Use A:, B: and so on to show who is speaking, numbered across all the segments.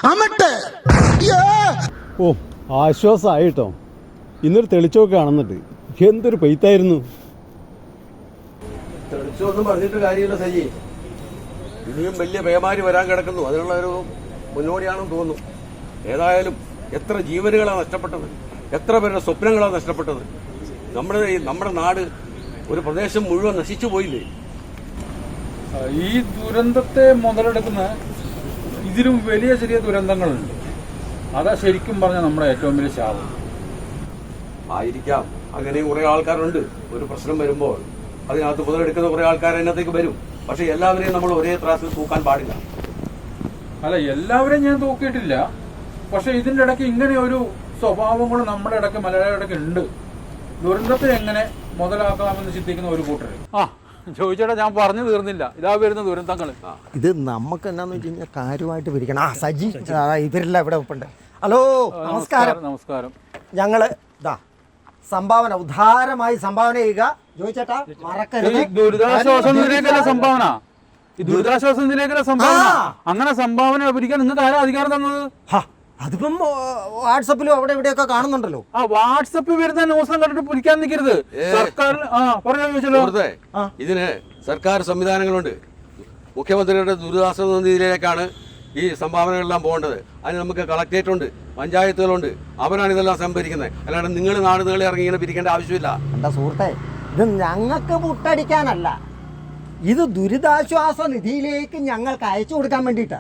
A: ഓ ആശ്വാസമായിട്ടോ. ഇന്നൊരു തെളിച്ചമൊക്കെ കാണുന്നുണ്ട്. എന്തൊരു പെയ്ത്തായിരുന്നു.
B: തെളിച്ചൊന്നും പറഞ്ഞിട്ട് കാര്യമില്ല സജി. ഇനിയും വലിയ പേമാരി വരാൻ കിടക്കുന്നു. അതിനുള്ള ഒരു മുന്നോടിയാണെന്ന് തോന്നുന്നു. ഏതായാലും എത്ര ജീവനുകളാണ് നഷ്ടപ്പെട്ടത്, എത്ര പേരുടെ സ്വപ്നങ്ങളാണ് നഷ്ടപ്പെട്ടത്. നമ്മുടെ നാട്, ഒരു പ്രദേശം മുഴുവൻ നശിച്ചു പോയില്ലേ.
C: ഈ ദുരന്തത്തെ മുതലെടുക്കുന്ന ഇതിലും വലിയ ചെറിയ ദുരന്തങ്ങളുണ്ട്. അതാ ശരിക്കും പറഞ്ഞാൽ നമ്മുടെ ഏറ്റവും വലിയ ശാപം.
B: ആയിരിക്കാം, അങ്ങനെ കുറെ ആൾക്കാരുണ്ട്. ഒരു പ്രശ്നം വരുമ്പോൾ അതിനകത്ത് മുതലെടുക്കുന്ന കുറെ ആൾക്കാർ അതിനകത്തേക്ക് വരും. പക്ഷെ എല്ലാവരെയും നമ്മൾ ഒരേ ത്രാസിൽ തൂക്കാൻ പാടില്ല.
C: അല്ല, എല്ലാവരെയും ഞാൻ തൂക്കിയിട്ടില്ല. പക്ഷെ ഇതിന്റെ ഇടയ്ക്ക് ഇങ്ങനെ ഒരു സ്വഭാവം കൂടെ നമ്മുടെ ഇടയ്ക്ക് മലയാളിയുടെ ഇടയ്ക്ക് ഉണ്ട്. ദുരന്തത്തെ എങ്ങനെ മുതലാക്കാമെന്ന് ചിന്തിക്കുന്ന ഒരു കൂട്ടർ. ചോദിച്ചേട്ടാ, ഞാൻ പറഞ്ഞു തീർന്നില്ല. ഇതാ വരുന്ന ദുരന്തങ്ങൾ.
D: ഇത് നമുക്ക് എന്നാന്ന് വെച്ച് കഴിഞ്ഞാൽ കാര്യമായിട്ട് പിരിക്കണം. സജി ഇവരെല്ലാം ഇവിടെ ഒപ്പുണ്ട്. ഹലോ, നമസ്കാരം.
C: നമസ്കാരം.
D: ഞങ്ങള് ഇതാ സംഭാവന, ഉദാരമായി സംഭാവന ചെയ്യുക. ചോദിച്ചേട്ടാ, മറക്കരുത്.
C: ദുരിതാശ്വാസ നിധിയിലേക്കുള്ള സംഭാവന. ഈ ദുരിതാശ്വാസ നിധിയിലേക്കുള്ള സംഭാവന, അങ്ങനെ സംഭാവന പിരിക്കാൻ നിങ്ങൾക്ക് ആരാ അധികാരം തന്നത്?
D: അതിപ്പം വാട്സപ്പിലും അവിടെ ഇവിടെയൊക്കെ കാണുന്നുണ്ടല്ലോ.
C: വാട്സപ്പിൽ വരുന്ന ന്യൂസും കണ്ടിട്ട് പിരിക്കാൻ നിൽക്കരുത്. സർക്കാർ പറഞ്ഞല്ലോ,
B: ഇതിന് സർക്കാർ സംവിധാനങ്ങളുണ്ട്. മുഖ്യമന്ത്രിയുടെ ദുരിതാശ്വാസ നിധിയിലേക്കാണ് ഈ സംഭാവനകളെല്ലാം പോകേണ്ടത്. അതിന് നമുക്ക് കളക്ടറേറ്റ് ഉണ്ട്, പഞ്ചായത്തുകളുണ്ട്. അവരാണ് ഇതെല്ലാം സംഭരിക്കുന്നത്. അല്ലാണ്ട് നിങ്ങൾ നാടുകളെ ഇറങ്ങി ഇങ്ങനെ പിരിക്കേണ്ട ആവശ്യമില്ല.
D: എന്താ സുഹൃത്തെ, ഇത് ഞങ്ങൾക്ക് മുട്ടടിക്കാനല്ല, ഇത് ദുരിതാശ്വാസ നിധിയിലേക്ക് ഞങ്ങൾക്ക് അയച്ചു കൊടുക്കാൻ വേണ്ടിയിട്ടാ.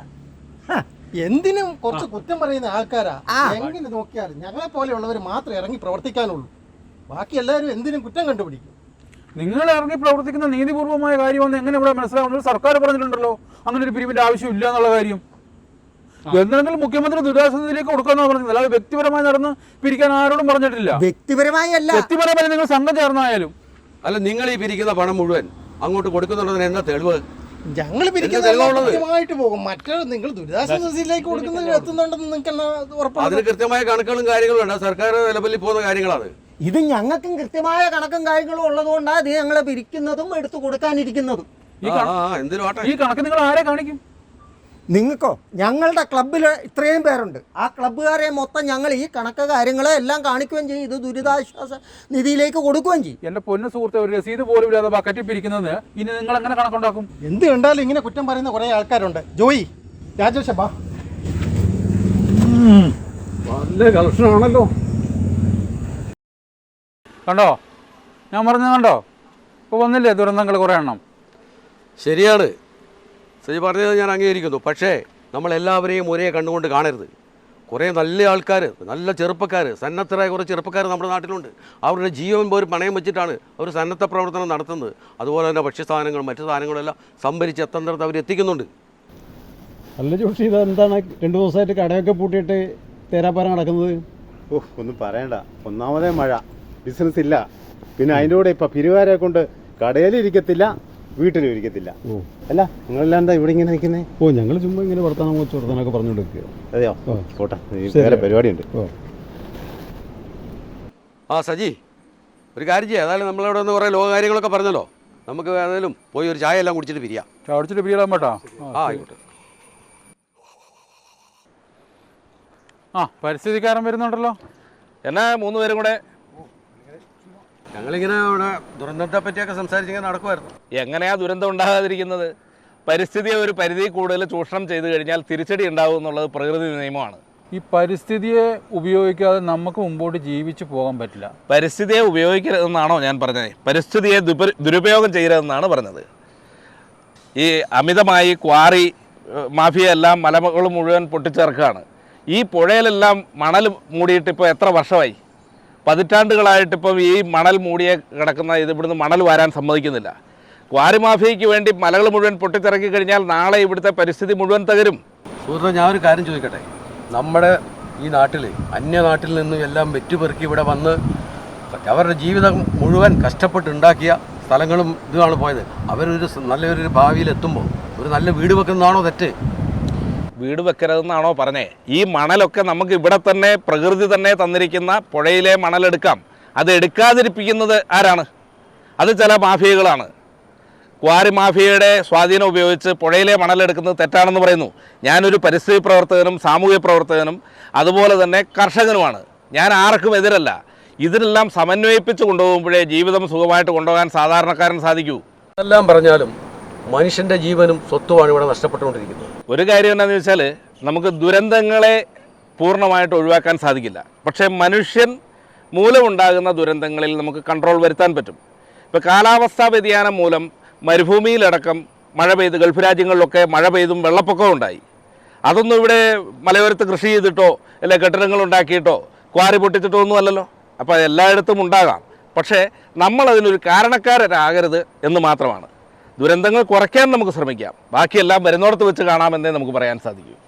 E: എന്തിനും കുറച്ച് കുറ്റം പറയുന്ന ആൾക്കാരാ. എങ്ങനെ നോക്കിയാലും ഞങ്ങളെ പോലെയുള്ളവർ മാത്രമേ ഇറങ്ങി പ്രവർത്തിക്കാനുള്ളൂ. ബാക്കി എല്ലാവരും എന്തിനും കുറ്റം കണ്ടുപിടിക്കും.
C: നിങ്ങൾ ഇറങ്ങി പ്രവർത്തിക്കുന്ന നീതിപൂർവമായ കാര്യമെന്ന് എങ്ങനെ ഇവിടെ മനസ്സിലാവുന്നത്? സർക്കാർ പറഞ്ഞിട്ടുണ്ടല്ലോ അങ്ങനെ ഒരു പിരിവിന്റെ ആവശ്യമില്ല എന്നുള്ള കാര്യം. എന്തെങ്കിലും മുഖ്യമന്ത്രി ദുരിതാശ്വാസ നിധിയിലേക്ക് കൊടുക്കാന്നാണ് പറഞ്ഞത്. അല്ലാതെ വ്യക്തിപരമായി നടന്ന് പിരിക്കാൻ ആരോടും പറഞ്ഞിട്ടില്ല.
D: വ്യക്തിപരമായി അല്ല,
C: വ്യക്തിപരമായി നിങ്ങൾ സംഘം ചേർന്നായാലും.
B: അല്ല, നിങ്ങൾ ഈ പിരിക്കുന്ന പണം മുഴുവൻ അങ്ങോട്ട് കൊടുക്കുന്നുള്ളതിന് എന്താ തെളിവ്?
E: ഞങ്ങൾ കൃത്യമായിട്ട് പോകും. മറ്റൊരു നിങ്ങൾ ദുരിതാശ്വാസ നിധിയിലേക്ക് കൊടുക്കുന്നതിന് എത്തുന്നുണ്ടെന്ന് നിങ്ങൾക്ക് ഉറപ്പാണ്.
B: അതിന് കൃത്യമായ കണക്കുകളും കാര്യങ്ങളും ഉണ്ട്. സർക്കാർ ലെവലിൽ പോകുന്ന കാര്യങ്ങളാണ്.
D: ഇത് ഞങ്ങൾക്കും കൃത്യമായ കണക്കും കാര്യങ്ങളും ഉള്ളതുകൊണ്ടാണ് ഇത് ഞങ്ങളെ പിരിക്കുന്നതും എടുത്തു കൊടുക്കാനിരിക്കുന്നതും.
C: ഈ കണക്ക് നിങ്ങൾ ആരെ കാണിക്കും?
D: നിങ്ങൾക്കോ? ഞങ്ങളുടെ ക്ലബ്ബിൽ ഇത്രയും പേരുണ്ട്. ആ ക്ലബ്ബുകാരെ മൊത്തം ഞങ്ങൾ ഈ കണക്ക് കാര്യങ്ങളെ എല്ലാം കാണിക്കുകയും ചെയ്യും. ഇത് ദുരിതാശ്വാസ നിധിയിലേക്ക് കൊടുക്കുകയും ചെയ്യും.
C: എന്റെ പൊന്നു സുഹൃത്തെ, ഒരു രസീത് പോലും ഇല്ലാതെ ബക്കറ്റിൽ പിരിക്കുന്നത് ഇനി നിങ്ങൾ എങ്ങനെ കണക്കുണ്ടാക്കും?
E: എന്ത് കണ്ടാലും ഇങ്ങനെ കുറ്റം പറയുന്ന കുറെ ആൾക്കാരുണ്ട്. ജോയി, രാജേഷബാ,
C: നല്ല കളക്ഷനാണല്ലോ. കണ്ടോ, ഞാൻ പറഞ്ഞത് കണ്ടോ? ഇപ്പോൾ വന്നില്ലേ ദുരന്തങ്ങൾ കുറേ എണ്ണം.
B: ശരിയാണ്, സജി പറഞ്ഞത് ഞാൻ അംഗീകരിക്കുന്നു. പക്ഷേ നമ്മളെല്ലാവരെയും ഒരേ കണ്ണുകൊണ്ട് കാണരുത്. കുറേ നല്ല ആൾക്കാർ, നല്ല ചെറുപ്പക്കാർ, സന്നദ്ധരായ കുറേ ചെറുപ്പക്കാർ നമ്മുടെ നാട്ടിലുണ്ട്. അവരുടെ ജീവൻ പോലും പണയം വെച്ചിട്ടാണ് അവർ സന്നദ്ധ പ്രവർത്തനം നടത്തുന്നത്. അതുപോലെ തന്നെ ഭക്ഷ്യസാധനങ്ങളും മറ്റു സാധനങ്ങളെല്ലാം സംഭരിച്ച് എത്തേണ്ടത് അവർ എത്തിക്കുന്നുണ്ട്.
A: അല്ല ജോഷി, ഇതെന്താണ് 2 ദിവസമായിട്ട് കടയൊക്കെ പൂട്ടിയിട്ട് തേരാപ്പാരം നടക്കുന്നത്?
F: ഒന്നും പറയണ്ട. ഒന്നാമതേ മഴ, ബിസിനസ് ഇല്ല. പിന്നെ അതിൻ്റെ കൂടെ ഇപ്പം പിരിവാരെ കൊണ്ട് കടയിലിരിക്കത്തില്ല, വീട്ടിലും ഇരിക്കത്തില്ല. അല്ല, നിങ്ങളെല്ലാം എന്താ ഇവിടെ ഇങ്ങനെ നിൽക്കുന്നത്?
A: ഞങ്ങൾ ചുമ്മാ ഇങ്ങനെ വർത്തമാനമൊക്കെ പറഞ്ഞുകൊടുക്കുക.
F: അതെയോ? പോട്ടെ, വേറെ പരിപാടിയുണ്ട്.
B: സജി, ഒരു കാര്യം ചെയ്യാം. ഏതായാലും നമ്മളിവിടെ നിന്ന് കുറേ ലോക കാര്യങ്ങളൊക്കെ പറഞ്ഞല്ലോ. നമുക്ക് ഏതായാലും പോയി ഒരു ചായ എല്ലാം കുടിച്ചിട്ട് പിരിയാം.
C: കുടിച്ചിട്ട് പിരിയാൻ പറ്റാ?
B: ആയിക്കോട്ടെ.
C: പരിസ്ഥിതിക്കാരൻ വരുന്നുണ്ടല്ലോ.
G: എന്നാ 3 പേരും കൂടെ
B: ഞങ്ങളിങ്ങനെ ഇവിടെ ദുരന്തത്തെ പറ്റിയൊക്കെ സംസാരിച്ചിങ്ങനെ നടക്കുമായിരുന്നു.
G: എങ്ങനെയാ ദുരന്തം ഉണ്ടാകാതിരിക്കുന്നത്? പരിസ്ഥിതിയെ ഒരു പരിധി കൂടുതൽ ചൂഷണം ചെയ്തു കഴിഞ്ഞാൽ തിരിച്ചടി ഉണ്ടാവും എന്നുള്ളത് പ്രകൃതി നിയമമാണ്.
C: ഈ പരിസ്ഥിതിയെ ഉപയോഗിക്കാതെ നമുക്ക് മുമ്പോട്ട് ജീവിച്ചു പോകാൻ പറ്റില്ല.
G: പരിസ്ഥിതിയെ ഉപയോഗിക്കരുതെന്നാണോ ഞാൻ പറഞ്ഞത്? പരിസ്ഥിതിയെ ദുരുപയോഗം ചെയ്യരുതെന്നാണ് പറഞ്ഞത്. ഈ അമിതമായി ക്വാറി മാഫിയ എല്ലാം മലകൾ മുഴുവൻ പൊട്ടിച്ചേർക്കുകയാണ്. ഈ പുഴയിലെല്ലാം മണൽ മൂടിയിട്ട് ഇപ്പോൾ എത്ര വർഷമായി? പതിറ്റാണ്ടുകളായിട്ടിപ്പം ഈ മണൽ മൂടിയെ കിടക്കുന്ന ഇവിടുന്ന് മണൽ വാരാൻ സമ്മതിക്കുന്നില്ല. ക്വാറി മാഫിയയ്ക്ക് വേണ്ടി മലകൾ മുഴുവൻ പൊട്ടിച്ചിറക്കി കഴിഞ്ഞാൽ നാളെ ഇവിടുത്തെ പരിസ്ഥിതി മുഴുവൻ തകരും.
B: സുഹൃത്തെ, ഞാനൊരു കാര്യം ചോദിക്കട്ടെ. നമ്മുടെ ഈ നാട്ടിൽ അന്യനാട്ടിൽ നിന്നും എല്ലാം വെറ്റുപെറുക്കി ഇവിടെ വന്ന് അവരുടെ ജീവിതം മുഴുവൻ കഷ്ടപ്പെട്ടുണ്ടാക്കിയ സ്ഥലങ്ങളും ഇതുമാണ് പോയത്. അവരൊരു നല്ലൊരു ഭാവിയിലെത്തുമ്പോൾ ഒരു നല്ല വീട് വെക്കുന്നതാണോ തെറ്റ്?
G: വീട് വെക്കരുതെന്നാണോ പറഞ്ഞേ? ഈ മണലൊക്കെ നമുക്ക് ഇവിടെ തന്നെ പ്രകൃതി തന്നെ തന്നിരിക്കുന്ന പുഴയിലെ മണലെടുക്കാം. അത് എടുക്കാതിരിപ്പിക്കുന്നത് ആരാണ്? അത് ചില മാഫിയകളാണ്. ക്വാറി മാഫിയയുടെ സ്വാധീനം ഉപയോഗിച്ച് പുഴയിലെ മണലെടുക്കുന്നത് തെറ്റാണെന്ന് പറയുന്നു. ഞാനൊരു പരിസ്ഥിതി പ്രവർത്തകനും സാമൂഹ്യ പ്രവർത്തകനും അതുപോലെ തന്നെ കർഷകനുമാണ്. ഞാൻ ആർക്കും എതിരല്ല. ഇതിനെല്ലാം സമന്വയിപ്പിച്ച് കൊണ്ടുപോകുമ്പോഴേ ജീവിതം സുഖമായിട്ട് കൊണ്ടുപോകാൻ സാധാരണക്കാരൻ സാധിക്കൂ.
B: എല്ലാം പറഞ്ഞാലും മനുഷ്യൻ്റെ ജീവനും സ്വത്തുമാണ് ഇവിടെ നഷ്ടപ്പെട്ടുകൊണ്ടിരിക്കുന്നത്.
G: ഒരു കാര്യം എന്താണെന്ന് വെച്ചാൽ നമുക്ക് ദുരന്തങ്ങളെ പൂർണ്ണമായിട്ട് ഒഴിവാക്കാൻ സാധിക്കില്ല. പക്ഷേ മനുഷ്യൻ മൂലമുണ്ടാകുന്ന ദുരന്തങ്ങളിൽ നമുക്ക് കൺട്രോൾ വരുത്താൻ പറ്റും. ഇപ്പോൾ കാലാവസ്ഥാ വ്യതിയാനം മൂലം മരുഭൂമിയിലടക്കം മഴ പെയ്ത് ഗൾഫ് രാജ്യങ്ങളിലൊക്കെ മഴ പെയ്തും വെള്ളപ്പൊക്കം ഉണ്ടായി. അതൊന്നും ഇവിടെ മലയോരത്ത് കൃഷി ചെയ്തിട്ടോ അല്ലെ കെട്ടിടങ്ങൾ ഉണ്ടാക്കിയിട്ടോ ക്വാറി പൊട്ടിച്ചിട്ടോ ഒന്നും അല്ലല്ലോ. അപ്പോൾ എല്ലായിടത്തും ഉണ്ടാകാം. പക്ഷേ നമ്മളതിനൊരു കാരണക്കാരാകരുത് എന്ന് മാത്രമാണ്. ദുരന്തങ്ങൾ കുറയ്ക്കാൻ നമുക്ക് ശ്രമിക്കാം. ബാക്കിയെല്ലാം വരുന്നോടത്ത് വെച്ച് കാണാമെന്നേ നമുക്ക് പറയാൻ സാധിക്കൂ.